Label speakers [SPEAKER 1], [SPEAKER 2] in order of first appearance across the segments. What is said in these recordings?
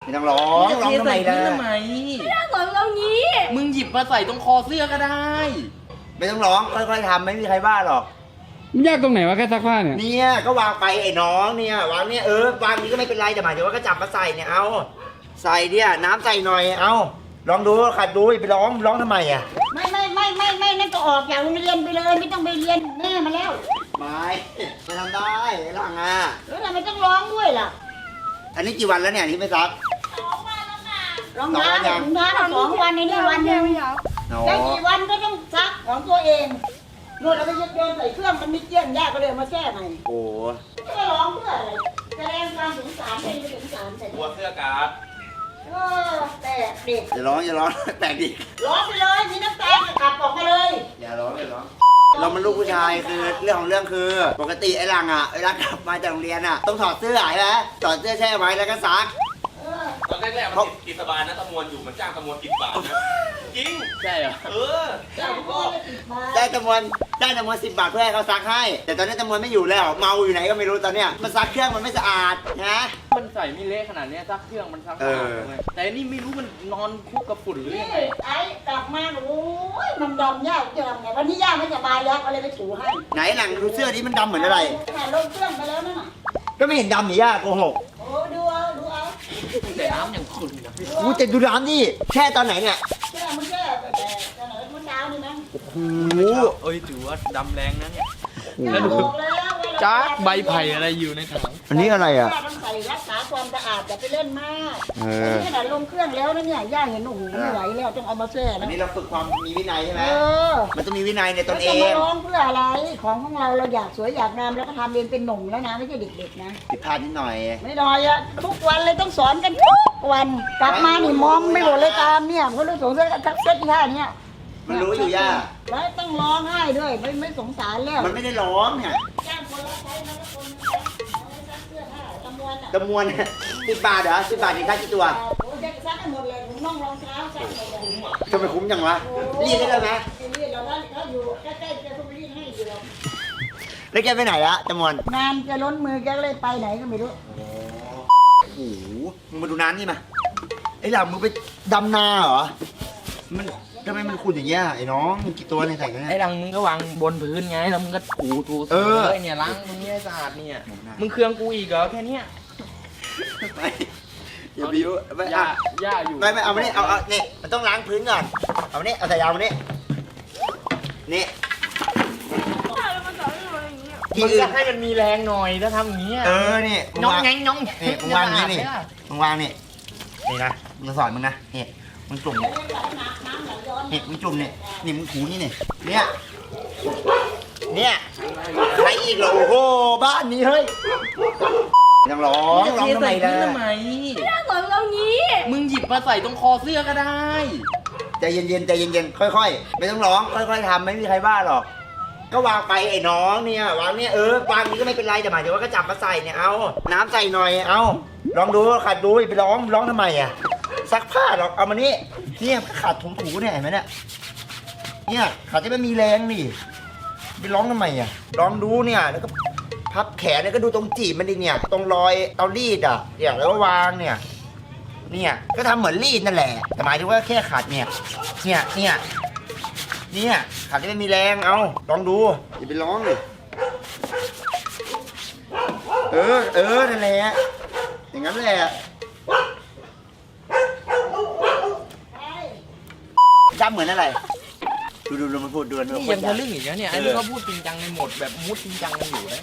[SPEAKER 1] ไม่ต้องร้องร้องทำไมล่ะ
[SPEAKER 2] ทำไม
[SPEAKER 3] ไม่ได้ร้องตรงนี้
[SPEAKER 2] มึงหยิบมาใส่ตรงคอเสื้อก็ได้
[SPEAKER 1] ไม่ต้องร้องค่อยๆทำไม่มีใครบ้าหรอก
[SPEAKER 4] มันยากตรงไหนวะแค่ซักผ้าเนี่ย
[SPEAKER 1] เนี่ยก็วางไปไอ้น้องเนี่ยวางเนี่ยวางนี้ก็ไม่เป็นไรแต่หมายถึงว่าก็จับมาใส่เนี่ยเอาใส่เนี่ยน้ำใส่หน่อยเอาลองดูขัดดูไปร้องทำไมอ่ะ
[SPEAKER 5] ไม่นั่นก็ออกจากโรงเรียนไปเลยไม่ต้องไปเรียนแม่มาแล้ว
[SPEAKER 1] ไม่ทำได้หลังอ่ะ
[SPEAKER 5] แล้วทำไมต้องร้องด้วยล่ะ
[SPEAKER 1] อันนี้กี่วันแล้วเนี่ยที่ไม่ซัก
[SPEAKER 5] ร้องน้ำ2 วันในนี่วันนึงได้กี่วันก็ต้องซักของตัวเองโน่นเราไปโยนใส่เครื่องมันไม่เกี้ยนยากก็เลยมาแช่ใหม่
[SPEAKER 1] โอ้
[SPEAKER 5] จะร้องเพื่ออะไรแสดงความสงสารเป็นไม่สงสารแต่
[SPEAKER 2] หัวเสื้อกาด
[SPEAKER 5] แต่เด็ก
[SPEAKER 1] อย่าร้องแปลกดิ
[SPEAKER 5] ร้องไปเลยมีน้ำตาขับออกมาเลย
[SPEAKER 1] อย่าร้องเรามันลูกผู้ชายคือเรื่องของเรื่องคือปกติไอ้หลังอ่ะเวลากลับมาจากโรงเรียนอ่ะต้องถอดเสื้อใช่ไหมถอดเสื้อแช่ไว้แล้วก็ซัก
[SPEAKER 2] ตอนแรกๆมันกินสบายนะตะมวนอยู่มันจ้างตะมวนกินบาทนะจริงใช่เหรอ
[SPEAKER 1] ได้จำนวน10 บาทเพื่อให้เขาซักให้แต่ตอนนี้จำนวนไม่อยู่แล้วเมาอยู่ไหนก็ไม่รู้ตอนเนี้ยมันซักเครื่องมันไม่สะอาดนะ
[SPEAKER 2] มันใส่ไม่เละขนาดนี้ซักเครื่องมันซักสะอาดไงแต่นี่ไม่รู้มันนอนคุกกับฝุ่นหรือยังไง
[SPEAKER 5] ไอ้กลับมาโอ้ยมันดำยากจะทำไงวันนี้ย่าไม่สบายแล้วก็เลยไปถูให้
[SPEAKER 1] ไหนหลังดูเสื้อนี้มันดำเหมือนอะไร
[SPEAKER 5] ลงเครื่องไปแล้วนั่นน่ะ
[SPEAKER 1] ก็ไม่เห็นดำนี่ย่าโกหก
[SPEAKER 5] โอ้ดูเอา
[SPEAKER 2] แต่น้ำอย่างขุ่นนะ
[SPEAKER 1] กูจะดูน้ำดิแช่ตอนไหนเนี่ย
[SPEAKER 5] แช่มันแต่ไหนมันดาวนี่มั้ง
[SPEAKER 1] โอ้โห
[SPEAKER 2] เอ้ยถือว่าดำแรงนะเนี่ย
[SPEAKER 5] แล้วดู
[SPEAKER 2] จ้าใบไผ่อะไรอยู่ในถัง
[SPEAKER 1] อันนี้อะไรอ่ะ
[SPEAKER 5] ต้องใส่รักษาความสะอาดอย่าไปเล่นมากนี่ขนาดลงเครื่องแล้วนะเนี่ยย่าเห็นโอ้โหไม่ไหวแล้วต้องเอามาแช่
[SPEAKER 1] อันนี้เราฝึกความมีวินัยใช่ไหมมันต้องมีวินัยในตนเอง
[SPEAKER 5] จะมาร้องเพื่ออะไรของเราอยากสวยอยากงามแล้วก็ทำเองเป็นหนุ่มแล้วนะไม่ใช่เด็กๆนะ
[SPEAKER 1] ผิดพลาดนิดหน่อย
[SPEAKER 5] ไม่น้อยอะทุกวันเลยต้องสอนกันทุกวันกลับมานี่มองไม่หมดเลยตามเนี่ยเพราะเรื่องสงสารทักเซ็ตท่าเนี่ย
[SPEAKER 1] มันรู้อยู่ย่า
[SPEAKER 5] แล้วต้องร้องไห้ด้วยไม่สงสารแล้ว
[SPEAKER 1] มันไม่ได้ร้องเนี่ย
[SPEAKER 5] จ้างคนรับใช้มาแล้วคนซักเสื้อผ้าจำน
[SPEAKER 1] วน10 บาทเหรอ10 บาทนี่ค่ากี่ตัว
[SPEAKER 5] โอ้ยซักให้หมดเลยผมน้องรองเท้าซักหมดเลย
[SPEAKER 1] ทำไมคุ้มจังวะรีดได้เลยไหม
[SPEAKER 5] รีดเราถ้าอยู่ใกล้ๆจะต้องรีดให้อยู่แล้ว
[SPEAKER 1] แล้วแกไปไหนละจำนวน
[SPEAKER 5] งานจะล้นมือแกเลยไปไหนก็ไม่รู้
[SPEAKER 1] โอ้โหมึงมาดูน้ำนี่มาไอ้หล่ำมึงไปดำนาเหรอมันทำไมมันขุ่นอย่างเงี้ยไอ้น้องกี่ตัวในใส่กันเนี่ย
[SPEAKER 2] ไอ้ดังมึงก็วางบนพื้นไงแล้วมึงก็ถูเลยเนี่ยล้างมึงเนี่ยสะอาดเนี่ยมึงเครื่องกูอีกเหรอแค่นี้
[SPEAKER 1] ไม่อย่าบิ้วไม่
[SPEAKER 2] ย่าอยู่
[SPEAKER 1] ไม่เอามาเนี่ยเอาเนี่ยมันต้องล้างพื้นก่อนเอาเนี่ยเอาใส่ยาวมาเนี่ยนี่
[SPEAKER 2] มึงจะให้มันมีแรงหน่อยถ้าทำอย่างนี้
[SPEAKER 1] นี่
[SPEAKER 2] น้องแงง
[SPEAKER 1] นี่มึงวางนี่มึงวางนี่นะมึงสอนมึงนะนี่มึงจุ่มนี่มึงจุ่มนี่มึงถูเนี่ยใครอีกเหรอโอ้โหบ้านนี้เฮ้ยยังร้องทำไมล่ะ
[SPEAKER 3] ไม่ได้ร้องตรงนี้
[SPEAKER 2] มึงหยิบมาใส่ตรงคอเสื้อก็ได้
[SPEAKER 1] ใจเย็นค่อยๆไม่ต้องร้องค่อยๆทำไม่มีใครบ้าหรอกก็วางไปไอ้น้องเนี่ยวางเนี่ยวางนี้ก็ไม่เป็นไรแต่หมายถึงว่าก็จับมาใส่เนี่ยเอาน้ำใส่หน่อยเอาลองดูขัดดูไปร้องทำไมอ่ะซักผ้าหรอกเอามานี่เนี่ยขัดถูเนี่ยเห็นไหมเนี่ยขัดจะไม่มีแรงนี่ไปร้องทำไมอ่ะลองดูเนี่ยแล้วก็พับแขนแล้วก็ดูตรงจีบมันดิเนี่ยตรงรอยเตารีดอ่ะเนี่ยแล้วก็วางเนี่ยก็ทำเหมือนรีดนั่นแหละแต่หมายถึงว่าแค่ขัดเนี่ยขัดจะไม่มีแรงเอาลองดูอย่าไปร้องเลยนั่นแหละอย่างนั้นแหละจำเหมือนอะไรดูมันพูดดู
[SPEAKER 2] นี่ยังทะลึ่งอีกแล้วเนี่ยไอ้นี่ก็พูดจริงจังในโหมดแบบมุดจริงจังกันอยู่นะ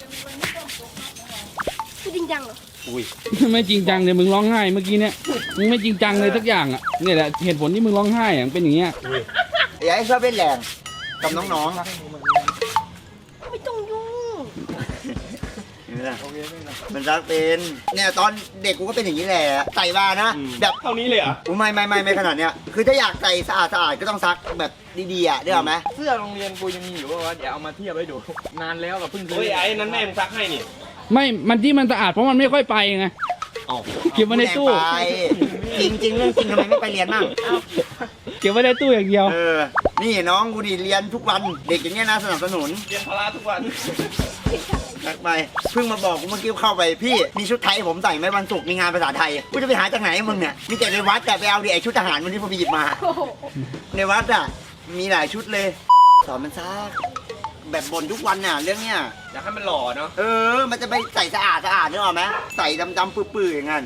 [SPEAKER 3] คือจริงจังเหรอ
[SPEAKER 4] อุ้ยไม่จริงจังเลยมึงร้องไห้เมื่อกี้เนี่ยมึงไม่จริงจังเลยสักอย่างอ่ะนี่แหละเหตุผลที่มึงร้องไห้อ่ะเป็นอย่างเงี้ย
[SPEAKER 1] อย่าให้ชอบเล่นแรงกับน้อง
[SPEAKER 3] ๆไม่ต้องยุ่ง
[SPEAKER 1] มันรักเป็นเนี่ยตอนเด็กกูก็เป็นอย่างนี้แหละใส่บานะแบบ
[SPEAKER 2] เท่านี้เลยอ่ะ
[SPEAKER 1] ไม่ขนาดเนี้ยคือถ้าอยากใส่สะอาดก็ต้องซักแบบดีๆอ่ะได้ไหม
[SPEAKER 2] เสื้อโรงเรียนกูยังมีอยู่ว่าเดี๋ยวเอามาเทียบให้ดูนานแล้วกับเพิ่งซื้อ
[SPEAKER 6] ไอ้นั้นแม่มึงซักให้นี่
[SPEAKER 4] ไม่มันที่มันสะอาดเพราะมันไม่ค่อยไปไงเก็บไว้ในตู้
[SPEAKER 1] จริงเรื่องจริงทำไมไม่ไปเรียนบ้าง
[SPEAKER 4] เก็บไว้ในตู้อย่างเดียว
[SPEAKER 1] นี่น้องกูดิเรียนทุกวันเด็กอย่างเงี้ยน่าสนับสนุน
[SPEAKER 6] เรียนพละทุกวัน
[SPEAKER 1] ทักไปเพิ่งมาบอกกูเมื่อกี้เข้าไปพี่มีชุดไทยผมใส่ไหมวันศุกร์มีงานภาษาไทยกูจะไปหาจากไหนมึงเนี่ยมีแต่ในวัดแต่ไปเอาดิไอชุดทหารวันนี้ผมไปหยิบมา
[SPEAKER 3] โอ้โห
[SPEAKER 1] ในวัดอ่ะมีหลายชุดเลยสอนมันซะแบบบ่นทุกวันน่ะเรื่องเนี้ย
[SPEAKER 2] อยากให้มันหล่อเนาะ
[SPEAKER 1] มันจะไปใส่สะอาดนึกออกไหมใส่ดำๆปื้อๆอย่างนั้น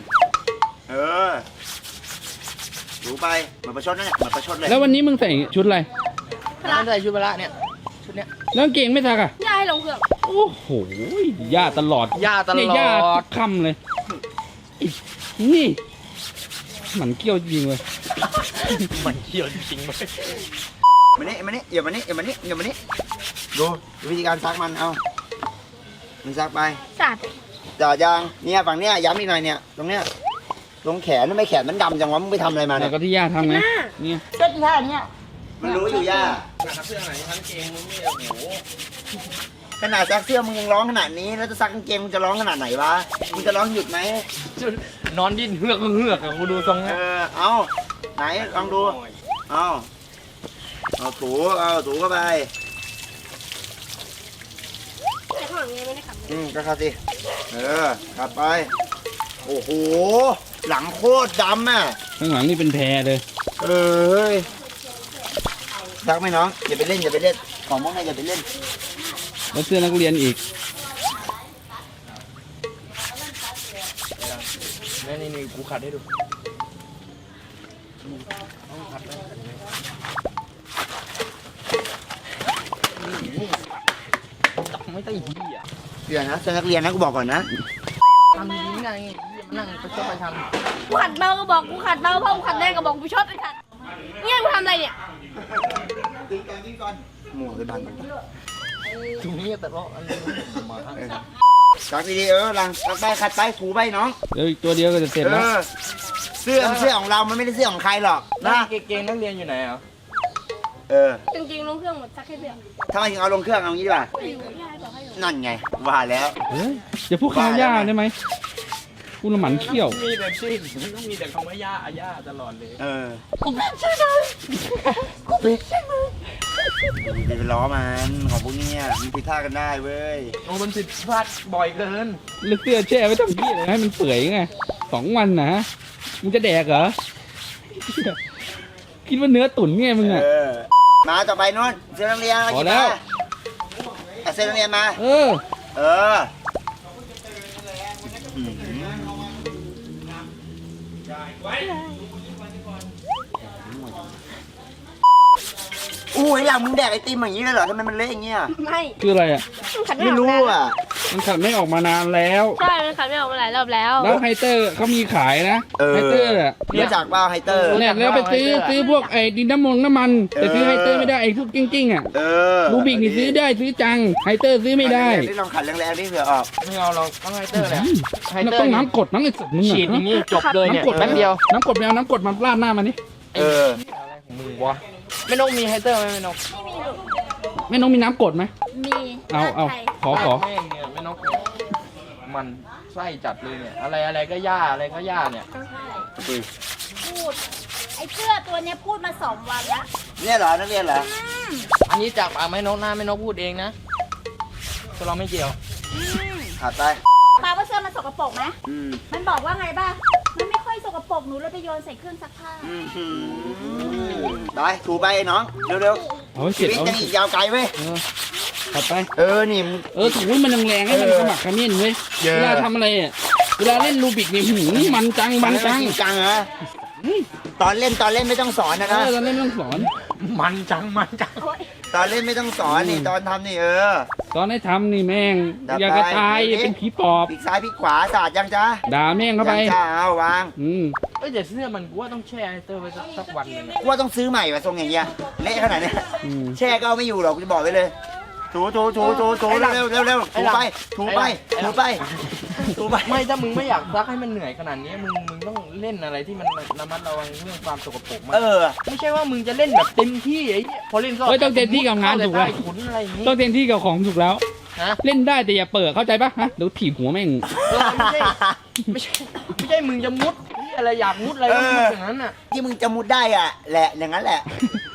[SPEAKER 1] ดูไปเหมือนประชดนั่นแหละเหมือนประชดเลย
[SPEAKER 4] แล้ววันนี้มึงใส่ชุดอะไร
[SPEAKER 2] ร้านใส่ชุดพละเนี่ยชุดเนี้ย
[SPEAKER 4] แล้วกางเกงไม่ซักอ่ะ
[SPEAKER 3] ย่าให้ลงเครื่อง
[SPEAKER 4] โอ้โหย่าตลอด
[SPEAKER 2] ย่าตล
[SPEAKER 4] เนี่ยย่า
[SPEAKER 2] อ
[SPEAKER 4] ทุ
[SPEAKER 2] ด
[SPEAKER 4] กคำเลยนี่หมันเกี้ยวจริงเลย
[SPEAKER 2] มันเขียวจริงๆเลย
[SPEAKER 1] มานี่อย่ามานี่ดูวิธีการซักมันเอามันซักไป
[SPEAKER 3] สาด
[SPEAKER 1] จ่อยางเนี่ยฝั่งเนี้ยย้ำอีกหน่อยเนี่ยตรงเนี้ยตรงแขนทำไมแขนมันดำจังวะมึงไปทำอะไรมา
[SPEAKER 4] แล้
[SPEAKER 1] เนี่
[SPEAKER 4] วย ก็ที่ย่าทำไงเนี่ย
[SPEAKER 5] เส้นท่าเนี้ย
[SPEAKER 1] มันรู้อยู่ย่า
[SPEAKER 2] เสื้อไหนทั้งเกงมึงนี่โอ้โห
[SPEAKER 1] ขนาดซักเสื้อมึงยังร้องขนาดนี้แล้วจะซักกางเกงมึงจะร้องขนาดไหนวะมึงจะร้องหยุดไหม
[SPEAKER 2] นอนดิ้นเฮือกอะกูดูทรงนะ
[SPEAKER 1] เอาไหนลองดูเอาถูเข้าไป
[SPEAKER 3] แต่ข้างหลังยังไม่ได้ขับ
[SPEAKER 1] ก็เข้าสิขับไปโอ้โหหลังโคตรดำอ่ะ
[SPEAKER 4] ข้างหลังนี่เป็นแพรเลย
[SPEAKER 1] ซักไหมน้องอย่าไปเล่นของพวกนี้อย่าไปเล่น
[SPEAKER 4] แล้วเสื้อนักเรียนอีก
[SPEAKER 2] นี่กูขัดให้ดูไม่ต้องเหี้ย
[SPEAKER 1] เดี๋ยวนะเสื้อนักเรียนนะกูบอกก่อนนะ
[SPEAKER 2] ทำดีไงมันนั่งไปชอบไปทำ
[SPEAKER 3] กูขัดเบาก็บอกกูขัดเบาเพราะกูขัดแรงก็บอกกูชอบไปขัดเนี่ยกูทำอะไรเนี่ย
[SPEAKER 1] ตีก่อนหมูเลยบัง
[SPEAKER 2] ตรงนี้แต่ว่าอันนี้มา
[SPEAKER 1] ซักดีๆหลังซักไปขัดไปถูไปน้อง
[SPEAKER 4] เดี๋ยวอีกตัวเดียวก็จะเสร็จแล้ว
[SPEAKER 1] เสื้อของเรามันไม่ได้เสื้อของใครหรอก
[SPEAKER 2] นะ
[SPEAKER 1] นะ
[SPEAKER 2] เกงนักเรียนอยู่ไหนอ่ะ
[SPEAKER 3] จริงๆลงเครื่องหมดซักให้เพื่อน
[SPEAKER 1] ทำไมถึงเอาลงเครื่องเอางี้ดีกว่า
[SPEAKER 3] ไม่รู้ย่าให้บอกให้ลง
[SPEAKER 1] นั่นไงว่าแล้ว
[SPEAKER 4] เฮ้ยอย่าพูดคำว่าย่าได้ไหมกูละหมันเขี้ยว
[SPEAKER 2] มีแต่ชื่อต้องมีแต่คำว่าย่าตลอดเลย
[SPEAKER 3] กูเป็นใช่ไหมกูเป็นใช่ไหม
[SPEAKER 1] อย่าไปล้อมันของพวกเนี้ยมันผิดท่ากันได้เว้ย
[SPEAKER 2] โอ้มันผิดพลาดบ่อยเกิน
[SPEAKER 4] แล้วเสื้อแช่ไว้ทำที่อะไรให้มันเปื่อยไง2 วันนะมึงจะแดกเหรอคิดว่าเนื้อตุ๋นไงมึงอ่ะ
[SPEAKER 1] มาต่อไปนู่นเสื้อนักเรียน
[SPEAKER 4] พอแล้ว
[SPEAKER 1] เสื้อนักเรียนมา
[SPEAKER 4] เออ
[SPEAKER 1] อุ้ยหลังมึงแดกไอติมอย่างนี้เลยเหรอทำไมมันเละอย่างเงี้ย
[SPEAKER 3] ไม่
[SPEAKER 4] คืออะไรอ่ะ
[SPEAKER 3] มันขัดไม่
[SPEAKER 1] ไม่
[SPEAKER 3] ออก
[SPEAKER 1] รู้
[SPEAKER 3] นาน
[SPEAKER 1] อ่ะ
[SPEAKER 4] มันขัดไม่ออกมานานแล้ว
[SPEAKER 3] ใช่มันขัดไม่ออกมาหลายรอบแล้ว
[SPEAKER 4] แล้วไฮเตอร์เขามีขายนะไฮเตอร์อ่ะ
[SPEAKER 1] รู้จักเปล่าไฮเตอร์
[SPEAKER 4] เนี่ยแล้วไปซื้อพวกไอ้ดินน้ำมันแต่ซื้อไฮเตอร์ไม่ได้ไอ้พวกกิ้งๆอ่ะรูบิกนี่ซื้อได้ซื้อจังไฮเตอร์ซื้อไม่ได้
[SPEAKER 1] ที่ลองขัดแรงๆนี่เผื่อออก
[SPEAKER 2] ไม่เอาเราต้องไฮเตอร์แหละไฮ
[SPEAKER 4] เรา
[SPEAKER 2] เตอร์
[SPEAKER 4] ต้องน้ำกดน้ำไอ้สัตว์มึง
[SPEAKER 2] ฉีดอย่างนี้จบเลยเนี่ย
[SPEAKER 4] น้ำกด
[SPEAKER 2] แป๊บเดียว
[SPEAKER 4] น้ำกดแมวน้ำกดมาราดหน้ามันนี่
[SPEAKER 2] อะไรของมึงวะไม่นกมีไฮเตอร์ไหมไม่นก
[SPEAKER 3] ไม่มีหรอก
[SPEAKER 4] แม่น้องมีน้ำกดไหม
[SPEAKER 3] มี
[SPEAKER 4] เอา
[SPEAKER 3] ลดไทย
[SPEAKER 4] ขอ
[SPEAKER 2] แม่งเนี่ยไม่นกเนี่ยมันไส้จัดเลยเนี่ยอะไรก็ย่าอะไรก็ย่าเนี่ย
[SPEAKER 5] พูดไอ้เสื้อตัวเนี้ยพูดมา2 วันละ
[SPEAKER 1] เนี่ยเหรอนักเรียนเหรอ
[SPEAKER 2] อันนี้จากปากไม่นกหน้าไม่นกพูดเองนะตัวเราไม่เกี่ยว
[SPEAKER 1] ขัดไป
[SPEAKER 5] ปาว่าเสื้อมันสกปรกไหม
[SPEAKER 1] อืม
[SPEAKER 5] มันบอกว่าไงบ้างมันไม่ค่อยสกปรกหนูเลยไปโยนใส่เครื่องซักผ้า
[SPEAKER 1] ไปถูไปน้องเร็ว
[SPEAKER 4] เอาให้
[SPEAKER 1] ๆ
[SPEAKER 4] เสร็
[SPEAKER 1] ชี
[SPEAKER 4] จ
[SPEAKER 1] วิต
[SPEAKER 4] เอา
[SPEAKER 1] ยังอีกยาวไกลเว้ย
[SPEAKER 4] ขัดไป
[SPEAKER 1] นี่
[SPEAKER 4] ถูมันแรงๆให้มันขมักเขม้นเว้ย
[SPEAKER 1] เยอะ
[SPEAKER 4] เวลาทำอะไรอ่ะเวลาเล่นรูบิกนี่หูมันจัง
[SPEAKER 1] จริงจังเหรอตอนเล่นไม่ต้องสอนนะ
[SPEAKER 4] เออเราเล่นไม่ต้องสอน
[SPEAKER 2] มันจัง
[SPEAKER 1] ตอนเล่นไม่ต้องสอนนี่ตอนทำนี่
[SPEAKER 4] ตอนให้ทำนี่แม่ง
[SPEAKER 1] จับ
[SPEAKER 4] อยากจะตาย
[SPEAKER 1] ไป
[SPEAKER 4] เป็นผีปอบ
[SPEAKER 1] ปีกซ้ายปีกขวาสาดยังจ้า
[SPEAKER 4] ด่าแม่งเข้าไป
[SPEAKER 1] ยังจ้าเอาวาง
[SPEAKER 2] เอ้ยแต่เสื้อมันกูว่าต้องแช่ไฮเตอร์ไว้สักวันหนึงอะ
[SPEAKER 1] กูว่าต้องซื้อใหม่ว่ะทรงอย่างเงี้ยเละขนาดเนี้ย
[SPEAKER 4] อืม
[SPEAKER 1] แช่ก็เอาไม่อยู่หรอกกูจะบอกไว้เลยถูเร็วถูไปถูไป
[SPEAKER 2] ไม่ถ้ามึงไม่อยากซักให้มันเหนื่อยขนาดนี้มึงต้องเล่นอะไรที่มันระมัดระวังเรื่องความสกปรกมากไม่ใช่ว่ามึงจะเล่นแบบเต็มที่ไอ้เหี้ยพอเล่นก็
[SPEAKER 4] เฮ้ยต้องเต็มที่กับงานถูกไหม
[SPEAKER 2] เข้าแต่ใต้ขุนอะไรอย่างงี้
[SPEAKER 4] ต้องเต็มที่กับของถูกแล้ว
[SPEAKER 2] ฮะ
[SPEAKER 4] เล่นได้แต่อย่าเปิดเข้าใจปะฮะเดี๋ยวถีบหัวแม่ง
[SPEAKER 2] ไม่ใช่มึงจะมุดอะไรอยากมุดอะไรก็มุดอย่างนั้นน่ะ
[SPEAKER 1] ที่มึงจะมุดได้อ่ะแหละอย่างนั้นแหละ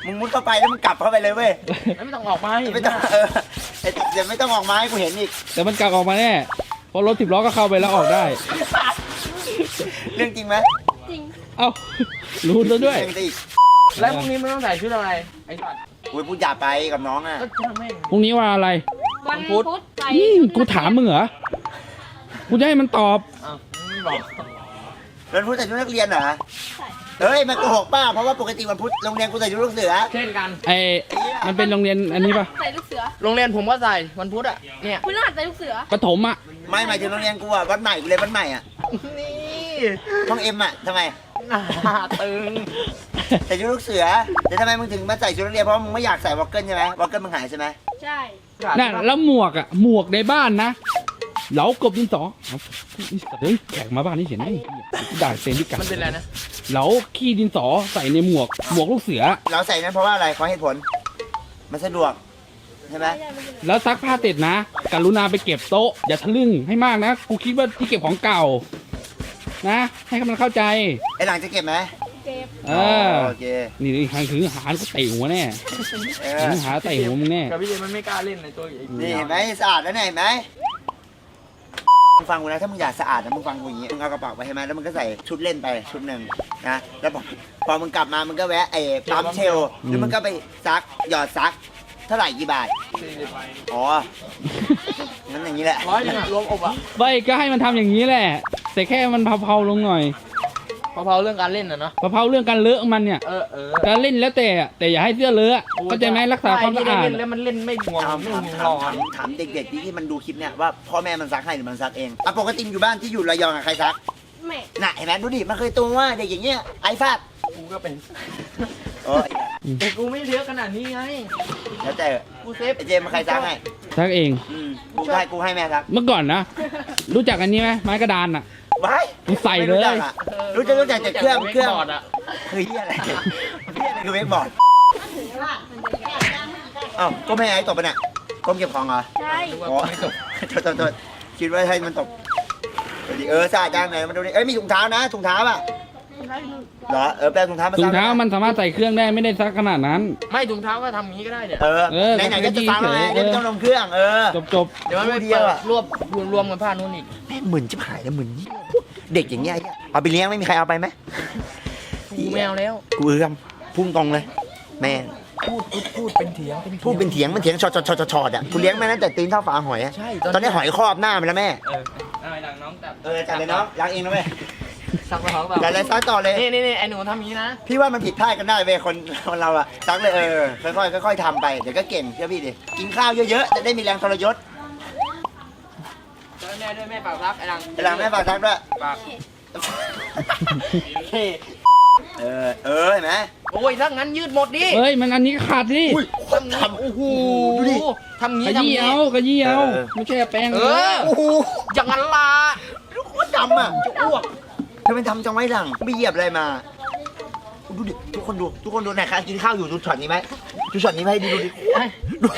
[SPEAKER 1] มึงมุดเข้าไปแล้วมึงกลับเข้าไปเลยเว้ย
[SPEAKER 2] แล้วไม่ต้องออกมาให้เห็น
[SPEAKER 1] ไม่ต้องเดี๋ยวไม่ต้องออกมาให้กูเห็นอีก
[SPEAKER 4] แต่มันกลับออกมาแน่เพราะรถ10 ล้อก็เข้าไปแล้วออกได้
[SPEAKER 1] เรื่องจริงไหม
[SPEAKER 3] จริง
[SPEAKER 4] เอ้ารู้แล้วด้วย
[SPEAKER 1] เรื่องจริงอีก
[SPEAKER 2] แล้วพรุ่งนี้มึงต้องใส่ชุดอะไรไอ้สัตว์
[SPEAKER 1] อุ้ยพูดหยาบไปกับน้องอ่ะ
[SPEAKER 2] ก็ช่างแม่ง
[SPEAKER 4] พรุ่งนี้ว่าอะไร
[SPEAKER 3] วันพุธใส่
[SPEAKER 4] กูถามมึงเหรอกูจะให้มันตอบ
[SPEAKER 2] อ้าวมึงไม่บอก
[SPEAKER 1] วันพุธใส่ชุดนักเรียนเหรอเฮ้ยมันโกหกป้าเพราะว่าปกติวันพุธโรงเรียนกูใส่ชุดลูกเสือ
[SPEAKER 2] เช่นกัน
[SPEAKER 4] มันเป็นโรงเรียนอันนี้ปะ
[SPEAKER 3] ใส่ลูกเสือ
[SPEAKER 2] โรงเรียนผมก็ใส่วันพุธอ่ะเนี่ย
[SPEAKER 3] คุณรหัสใส่ลูกเสือ
[SPEAKER 4] ประถมอ่ะ
[SPEAKER 1] ไม่หมายถึงโรงเรียนกูอ่ะวัดใหม่กูเลยนวัดใหม่อ่ะ
[SPEAKER 2] นี่
[SPEAKER 1] ห้องเอ็มอ่ะทำไม
[SPEAKER 2] หน้าตึง
[SPEAKER 1] ใส่ชุดลูกเสือแต่ทำไมมึงถึงมาใส่ชุดนักเรียนเพราะมึงไม่อยากใส่วอลเกิลใช่ไหมวอลเกิลมึงหายใช่ไหม
[SPEAKER 3] ใช่
[SPEAKER 4] น่ะแล้วหมวกอ่ะหมวกในบ้านนะเหลากบดินสอเอาเฮ้ยแขกมาบ้านนี่เห็นไหมด่าเซนดิกัน
[SPEAKER 2] มันเป็นอะไรนะ
[SPEAKER 4] เหลาขี้ดินสอใส่ในหมวกลูกเสือ
[SPEAKER 1] เราใส่นั้นเพราะว่าอะไรขอเหตุผลมันสะดวกใช่ไหม
[SPEAKER 4] แล้วซักผ้าเสร็จนะกรุณาไปเก็บโต๊ะอย่าทะลึ่งให้มากนะกูคิดว่าที่เก็บของเก่านะ ให้มันเข้าใจ
[SPEAKER 1] ไอ้หลังจะเก็บไหม
[SPEAKER 3] เจ็บ
[SPEAKER 4] เออ
[SPEAKER 1] โอเค
[SPEAKER 4] นี่ทางถือหาก็เตะหัวแน่
[SPEAKER 1] เอ
[SPEAKER 4] ถื
[SPEAKER 1] อ
[SPEAKER 4] อหาเตะหัวมึงแน่
[SPEAKER 2] กับพี่เจมันไม่กล้าเล่นในตัวไอ้
[SPEAKER 1] นี่เห็นไหมสะอาดแล้วเนี่ยเห็นไหมมึงฟังกูนะถ้ามึงอยากสะอาดนะมึงฟังกูอย่างงี้มึงเอากระเป๋าไปใช่ไหมแล้วมึงก็ใส่ชุดเล่นไปชุดหนึ่งนะแล้วพอมึงกลับมามึงก็แวะไอ้ปั๊มเชลแล้วมึงก็ไปซักหยอดซักเท่าไหร่กี่บาทอ๋องั้นอย่างนี้แหละ
[SPEAKER 2] 100 นึงอะรวมอบอะ
[SPEAKER 4] ไม่ก็ให้มันทำอย่างนี้แหละ แต่แค่มันเผาๆลงหน่อย
[SPEAKER 2] เผาๆเรื่องการเล่นอะเนาะ
[SPEAKER 4] เผาๆเรื่องการเลอะมันเนี่ย การเล่นแล้วแต่อย่าให้เสื้อเลอะเข้าใจไหมรักษาความสะอาด
[SPEAKER 2] เล่นแล้วมันเล่นไม่ห่วงไม่ห่วงร้อน
[SPEAKER 1] ถามเด็กๆที่มันดูคลิปเนี่ยว่าพ่อแม่มันซักให้หรือมันซักเองอ่ะปกติอยู่บ้านที่อยู่ระยองอะใครซัก
[SPEAKER 3] แม่
[SPEAKER 1] น่ะเห็นไหมดูดิมันเคยตัวว่าเด็กอย่างเงี้ยไอ้ฟาด
[SPEAKER 2] กูก็เป็น
[SPEAKER 1] โอ้ย
[SPEAKER 2] แต่กูไม่เยอะขนาดนี้ไง
[SPEAKER 1] แล้วแต่
[SPEAKER 2] กูเซฟ
[SPEAKER 1] ไอ้เจมส์มันใครซักให้
[SPEAKER 4] ซักเอง
[SPEAKER 1] กูให้แม่ซัก
[SPEAKER 4] เมื่อก่อนนะ รู้จักอันนี้ไหมไม้กระดานอ่ะ
[SPEAKER 1] ไว้
[SPEAKER 4] กูใส่เลย
[SPEAKER 1] ไม่รู้จักอะรู้จักแต่เครื่อง
[SPEAKER 2] บอร์ดอะ
[SPEAKER 1] คือเฮียอะไรเฮียอะไรคือเวกบอร์ดอ้าวก็ไม่ให้ไอ้ตบไปเนี่ยก้มเก็บของเหรอ
[SPEAKER 3] ใช่
[SPEAKER 1] อ๋อโทษคิดว่าให้มันตบสะอาดจังไหนมาดูดิเอ้ยมีถุงเท้านะถุงเท้าอ่ะเหรอแปลถุงเท้ามา
[SPEAKER 4] ถุ
[SPEAKER 1] ซั
[SPEAKER 4] ง
[SPEAKER 1] ก
[SPEAKER 4] เท้ามันสามารถใส่เครื่องได้ไม่ได้ซักขนาดนั้น
[SPEAKER 2] ไม่ถุงเท้าก็ทำอย่างนี้ก็ได้เนี่ย
[SPEAKER 1] ไหนๆก็จะซักแล้วไงเดี๋ยวไม่ต้องลงเครื่อง
[SPEAKER 4] จบ
[SPEAKER 2] เดี๋ยวมันไม่
[SPEAKER 1] เดี
[SPEAKER 2] เดี
[SPEAKER 1] ย
[SPEAKER 2] ยว ว
[SPEAKER 1] อะ
[SPEAKER 2] รวมกันผ้านู่นอีก
[SPEAKER 1] แม่งเหมือนจิบหายแล้วเหมือนเด็กอย่างเงี้ยเอาไปเลี้ยงไม่มีใครเอาไปไหม
[SPEAKER 2] กูแมวแล้ว
[SPEAKER 1] กูเอื้อมพุ่งตรงเลย แม่
[SPEAKER 2] พูดเป็นเถียง
[SPEAKER 1] พูดเป็นเถียงมันเถียงชอดอ่ะกูเลี้ยงแม่ตั้งแต่ตีนเท่าฝาหอยอ่ะ
[SPEAKER 2] ใช่
[SPEAKER 1] ตอนนี้หอยครอบหน้ามันแล้วแม่
[SPEAKER 2] อะไรดังน้องแต่
[SPEAKER 1] จัดเลยเนาะล้างเองนะแม่
[SPEAKER 2] ซักมาเขาเป
[SPEAKER 1] จัดเลยซักต่อเลย
[SPEAKER 2] นี่ไอ้หนูทำอย่างนี้นะ
[SPEAKER 1] พี่ว่ามันผิดพลาดกันได้เว้ยคนเราอะซักเลยค่อยๆทำไปเดี๋ยวก็เก่งเชื่อพี่ดิกินข้าวเยอะๆจะได้มีแรงทรยศ
[SPEAKER 2] แม่ด้วยแม่ปากซักไอ้ดัง
[SPEAKER 1] เวลาแม่ฝากซักด้วย
[SPEAKER 2] ปาก
[SPEAKER 1] เห็นไหม
[SPEAKER 2] โอ้ยถ้างั้นยืดหมดดิ
[SPEAKER 4] เฮ้ยมันอันนี้ขาดดิ
[SPEAKER 1] อุ้ย
[SPEAKER 2] ทำโอ้โห
[SPEAKER 1] ดูดิ
[SPEAKER 2] ทำงี้
[SPEAKER 4] ข
[SPEAKER 2] ทำ
[SPEAKER 4] ยี้
[SPEAKER 2] งี้
[SPEAKER 4] เอาขยี้เอาไม่ใช่แป้ง
[SPEAKER 2] เออ
[SPEAKER 1] โอ้โห
[SPEAKER 2] อย่างนั้นล่ะ
[SPEAKER 1] โคตรดำอะ
[SPEAKER 2] จะอ้วก
[SPEAKER 1] เธอเป็นทำจังไว้หลังไม่เหยียบอะไรมาดูดิทุกคนดูไหนคะกินข้าวอยู่ดูช็อตนี้ไหมดูช็อตนี้ไหมดูดิดู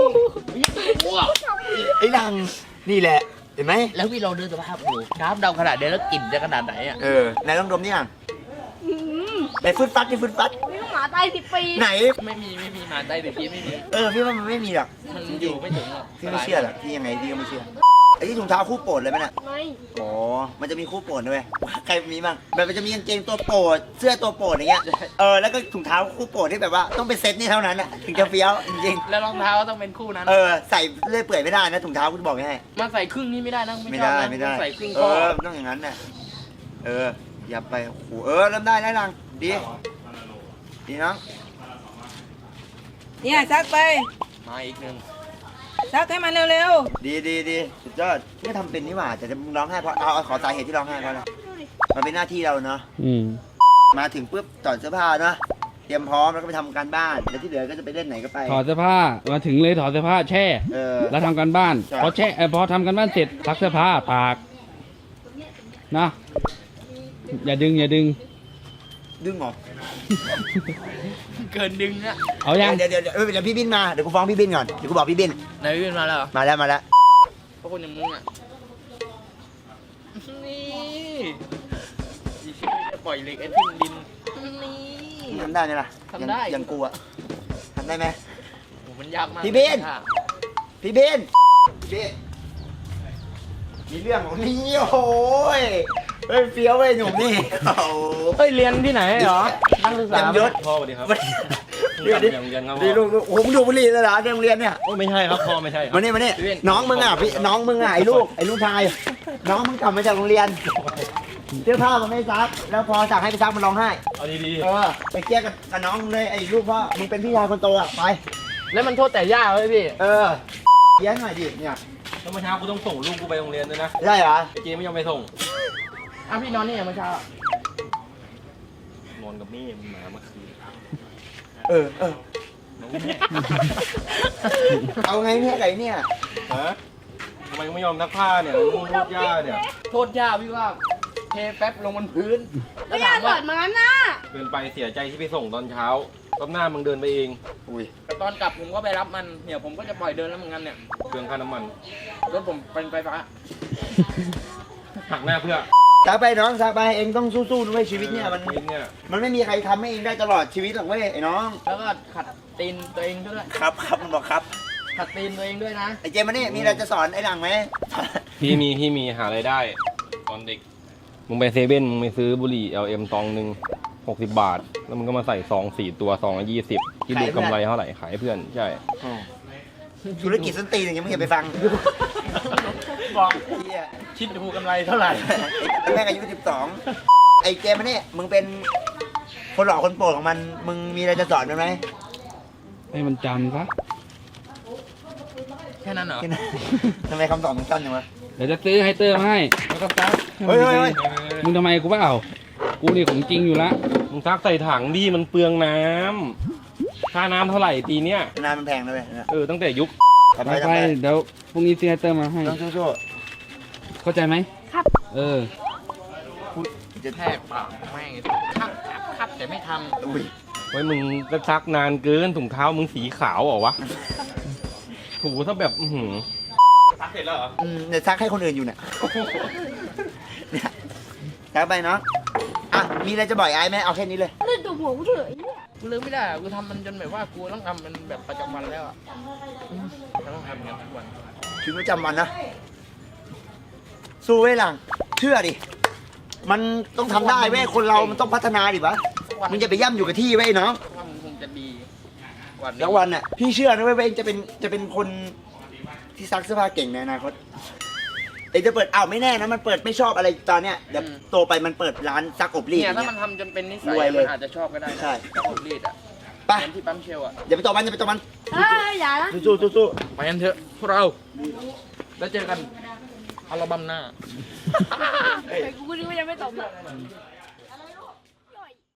[SPEAKER 1] ไอ้หลังนี่แหละเห็นไหม
[SPEAKER 2] แล้วพี่เราเดินสภาพอยู่น้ำดำขนาดเดียวแล้วกลิ่นจะขนาดไหนอ่ะ
[SPEAKER 1] ไหนลองดมนี่อ่ะไหนฟืดฟัดนี่ฟืดฟัด
[SPEAKER 3] นี่หมาตาย10 ปี
[SPEAKER 1] ไหน
[SPEAKER 2] ไม่มีหมาใต้แต่พี่ไม่มี
[SPEAKER 1] พี่ว่ามันไม่มีหรอก
[SPEAKER 2] มันอยู่ไม่ถึงหรอก
[SPEAKER 1] พี่ไม่เชื่อหรอกพี่ยังไงพี่ก็ไม่เชื่อไอ้ที่ถุงเท้าคู่โปรดเลยไหมน่ะ
[SPEAKER 3] ไม่
[SPEAKER 1] อ๋อมันจะมีคู่โปรดด้วยใครมีบ้างแบบมันจะมีกางเกงตัวโปรดเสื้อตัวโปรดอย่างเงี้ยแล้วก็ถุงเท้าคู่โปรดที่แบบว่าต้องเป็นเซตนี่เท่านั้นอ่ะถึงจะเฟี้ยวจริง
[SPEAKER 2] แล้วรองเท้าต้องเป็นคู่นั้น
[SPEAKER 1] ใส่เลื่อยเปื่อยไม่ได้นะถุงเท้าคุณบอกให้
[SPEAKER 2] มันใส่ครึ่งนี้ไม่ได้นะ
[SPEAKER 1] ไม่
[SPEAKER 2] ชอบ
[SPEAKER 1] ได้
[SPEAKER 2] นะ
[SPEAKER 1] ไม่ได้
[SPEAKER 2] ใส่ครึ่งข้อ
[SPEAKER 1] ต้องอย่างนั้นน่ะอย่าไปโอ้โหเริ่มได้แล้วลังดีน้อง
[SPEAKER 5] เนี่ยซักไป
[SPEAKER 2] มาอีกหนึ่ง
[SPEAKER 5] ซักให้มันเร็ว
[SPEAKER 1] ดีสุดยอดไม่ทำเป็นนี่หว่าแต่จะร้องไห้เพราะขอสาเหตุที่ร้องไห้เพราะอะไรมันเป็นหน้าที่เราเนาะ มาถึงปุ๊บถอดเสื้อผ้าเนาะเตรียมพร้อมแล้วก็ไปทำการบ้านแล้วที่เหลือก็จะไปเล่นไหนก็ไป
[SPEAKER 4] ถอดเสื้อผ้ามาถึงเลยถอดเสื้อผ้าแช่ แล้วทำการบ้าน
[SPEAKER 1] ใช่
[SPEAKER 4] พอทำการบ้านเสร็จซักเสื้อผ้าตากนะอย่าดึง
[SPEAKER 1] ดึงเหรอ
[SPEAKER 2] เกินดึงอะ
[SPEAKER 4] เอายัง
[SPEAKER 1] เดี๋ยวพี่บินมาเดี๋ยวกูฟ้องพี่บินก่อนเดี๋ยวกูบอกพี่บิน
[SPEAKER 2] ไหนพี่เป็นมาแล้วเหรอ
[SPEAKER 1] มาแล้ว
[SPEAKER 2] พวกคนอย่างมึงอะนี่อีกทีจะปล่อยเหล็กไอ้ทิ้งดินนี่
[SPEAKER 1] ทำได้ไหมล่ะ
[SPEAKER 2] ทำได้
[SPEAKER 1] ยังกูอะทำได้ไหม
[SPEAKER 2] โอ้มันยากมาก
[SPEAKER 1] พี่เบน พี่เบนพี่มีเรื่องของนี่โอ้โหยเฮ้ยเฟี้ยวเว้ยหนุ่มนี่โอ้โห
[SPEAKER 2] เฮ้ยเรียนที่ไหนเหรอนักศึกษา
[SPEAKER 1] เต็มยศ
[SPEAKER 6] พ่อสวัสดีครับ
[SPEAKER 1] เดี๋ยวดิ
[SPEAKER 6] ยังเรียนครับ
[SPEAKER 1] ดีลูกโอ้โหมึงดูบุหรี่เลยเหรอในโรงเรียนเนี่ย
[SPEAKER 6] โอ้ไม่ใช่ครับพ่อไม่ใช่ครับ
[SPEAKER 1] มานี่น้องมึงอ่ะพี่น้องมึงอ่ะไอ้ลูกชาย น้องมึงกลับมาจากโรงเรียนเสื้อผ้ามันไม่ซักแล้วพอสั่งให้ไปซักมันร้องไห้
[SPEAKER 6] เอาดี
[SPEAKER 1] ไปเคลียร์กับน้องมึงเลยไอ้ลูกพ่อมึงเป็นพี่ชายคนโตอ่ะไป
[SPEAKER 2] แล้วมันโทษแต่ย่าเว้ยพี่
[SPEAKER 1] เคลียร์หน่อยดิเนี่ย
[SPEAKER 6] ๆแล้วเมื่อเช้ากูต้องส่งลูกกูไปโรงเรียนด้วยนะ
[SPEAKER 1] ได้เหรอ
[SPEAKER 6] ไอ้เจไม่ยอมไปส่ง
[SPEAKER 2] อ้าวพี่นอนนี่ยังเมื่อเช้า
[SPEAKER 6] นอนกับแม่มึงมาเมื่อคืน
[SPEAKER 1] เออ
[SPEAKER 6] น้องแม่
[SPEAKER 1] เอาไงเนี่ยไก่เนี่ย
[SPEAKER 6] ฮะทำไมไม่ยอมซักผ้าเนี่ยลูกย่าเนี่ย
[SPEAKER 2] โทษย่าพี่ว่าเทแป๊บลงบนพื้น
[SPEAKER 3] ไม่อยากสอนมางั้นนะ
[SPEAKER 6] เดินไปเสียใจที่ไปส่งตอนเช้ารอบหน้ามึงเดินไปเอง
[SPEAKER 1] อุ้ย
[SPEAKER 2] แต่ตอนกลับผมก็ไปรับมันเนี่ยผมก็จะปล่อยเดินแล้วเหมือนกันเนี่ย
[SPEAKER 6] เครื่องค่าน้ำมัน
[SPEAKER 2] รถผมเป็นไฟฟ้า
[SPEAKER 6] หักหน้าเพื่อ
[SPEAKER 1] ซักไปน้องซักไปเองต้องสู้ๆด้วยชีวิตเนี่ยมัน
[SPEAKER 6] ชีวิตเนี่ย
[SPEAKER 1] มันไม่มีใครทำให้เองได้ตลอดชีวิตหรอกเว้ยไอ้น้อง
[SPEAKER 2] แล้วก็ขัดตีนตัวเองด้วย
[SPEAKER 1] ครับมันบอกครับ
[SPEAKER 2] ขัดตีนตัวเองด้วยนะ
[SPEAKER 1] ไอ้เจมมานี่มีอะไรจะสอนไอ้หลังไหม
[SPEAKER 6] พี่มีหาอะไรายได้ ตอนเด็ก มึงไปเซเว่นมึงไปซื้อบุหรี่ LM ซองหนึ่ง60 บาท แล้วมึงก็มาใส่ซอง4 ตัวซองละ20ที่ดูกำไรเท่าไหร่ขายให้เพื่อนใช่
[SPEAKER 1] ธุรกิจส้นตีนอย่างเงี้ยมึงอย่าไปฟัง
[SPEAKER 2] บอก
[SPEAKER 1] เหี้ย
[SPEAKER 2] คิดดูกำไรเท่าไหร่
[SPEAKER 1] แม่งอายุ12ไอ้เจมมานี่มึงเป็นคนหล่อคนโปรดของมันมึงมีอะไรจะสอนมันไหม
[SPEAKER 4] ให้มันจำซะ
[SPEAKER 2] แค่นั้นเหรอ
[SPEAKER 1] ทำไมคำตอบมึงสั้นจังวะ
[SPEAKER 4] เดี๋ยวจะซื้อไฮเตอร์มาให้
[SPEAKER 2] แล้วก็ซัก
[SPEAKER 1] เฮ้ย
[SPEAKER 4] มึงทำไมกูเปล่ากูนี่ของจริงอยู่ละ
[SPEAKER 6] มึงซักใส่ถังดิมันเปลืองน้ำค่าน้ำเท่าไหร่ปีเนี้ย
[SPEAKER 1] นานมันแพงนะเว้ย
[SPEAKER 6] ตั้งแต่ยุค
[SPEAKER 1] ทำ
[SPEAKER 4] ไป
[SPEAKER 1] ไป
[SPEAKER 4] ไปเดี๋ยวพรุ่งนี้ซื้อไฮเตอร์มาให้
[SPEAKER 1] ต้องสู้
[SPEAKER 4] เข้าใจไหม
[SPEAKER 3] ครับ
[SPEAKER 4] เออ
[SPEAKER 1] ๆจะ
[SPEAKER 2] แทกปากแม่งครับแต่ไม่ท
[SPEAKER 1] อุ้ย
[SPEAKER 6] ไว้มึงก็ซักนานเกินถุงเท้ามึงสีขาวเหรอวะ ถูซะแบบซักเสร็จแล้วเหรอ
[SPEAKER 1] เดี๋ยวซักให้คนอื่นอยู่เนี่ยเนี่ยซักไปเนาะอ่ะมีอะไรจะบอกไอ้ไหมเอาแค่นี้เลย
[SPEAKER 3] ลื่นตัวหัวกูเถอะไอ้เนี่ย
[SPEAKER 2] ำกูลืมไม่ได้อะกูทำมันจนแบบว่ากูต้องทำมันแบบประจำวันแล้วอ่ะต้องทำอย่างนั้นทุกวัน
[SPEAKER 1] ชีวิตประจำวันนะ สู้เว้ยหลัง เชื่อดิ มันต้องทำได้เว้ย คนเรามันต้องพัฒนาดิวะมึงจะไปย่ำอยู่กับที่เว้ยน้อง
[SPEAKER 2] ว่ามันคงจะดีกว่านี้
[SPEAKER 1] แล้ววันน่ะ พี่เชื่อนะเว้ยว่าเองจะเป็นคนที่ซักเสื้อผ้าเก่งในอนาคตเองจะเปิดไม่แน่นะ มันเปิดไม่ชอบอะไรตอนเนี้ย เดี๋ยวโตไปมันเปิดร้านซักอบรีด
[SPEAKER 2] เนี่ย
[SPEAKER 1] อ
[SPEAKER 2] ถ้า
[SPEAKER 1] ย่าง
[SPEAKER 2] มัน
[SPEAKER 1] เงี้ย
[SPEAKER 2] ทำจนเป็นนิสัย
[SPEAKER 1] รวยเลย
[SPEAKER 2] มันอาจจะชอบก็ได้นะ
[SPEAKER 1] ใช่
[SPEAKER 2] กับผมรีดอ่ะ
[SPEAKER 1] ไป
[SPEAKER 2] เหมือนที่ปั๊มเชลอ่ะ
[SPEAKER 1] อย่าไปต่อมันอย่าไปต่อมัน
[SPEAKER 3] เอ้ยอย่านะ
[SPEAKER 1] สู้
[SPEAKER 2] ไปกันเถอะพวกเรา แล้วเจอกันอัลบั้มหน้า
[SPEAKER 3] ไอ้กูก็นึกว่ายังไม่ตอบเลย